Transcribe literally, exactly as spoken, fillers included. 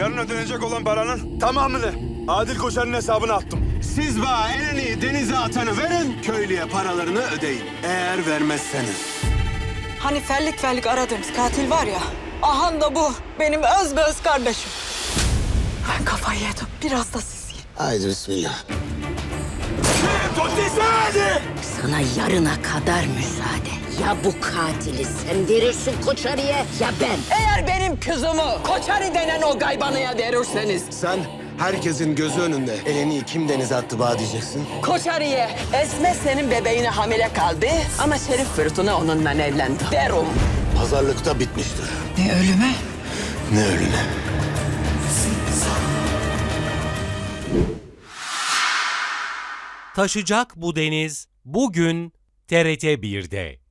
Yarın ödenecek olan paranın tamamını Adil Koçer'in hesabına attım. Siz bana elini denize atanı verin, köylüye paralarını ödeyin. Eğer vermezseniz. Hani fellik fellik aradığımız katil var ya. Ahan da bu. Benim öz be öz kardeşim. Ben kafayı yedim. Biraz da siz yiyin. Haydi bismillah. Sana yarına kadar müsaade. Ya bu katili sen verirsin Koçarı'ya ya ben. Eğer benim kızımı Koçari denen o gaybanıya verirseniz Sen herkesin gözü önünde elini kim denize attı bana diyeceksin. Koçari'ye Esme senin bebeğine hamile kaldı ama Şerif Fırtına onunla evlendi. Derim. Pazarlıkta bitmiştir. Ne ölüme? Ne ölüne. Taşacak bu deniz bugün T R T bir'de.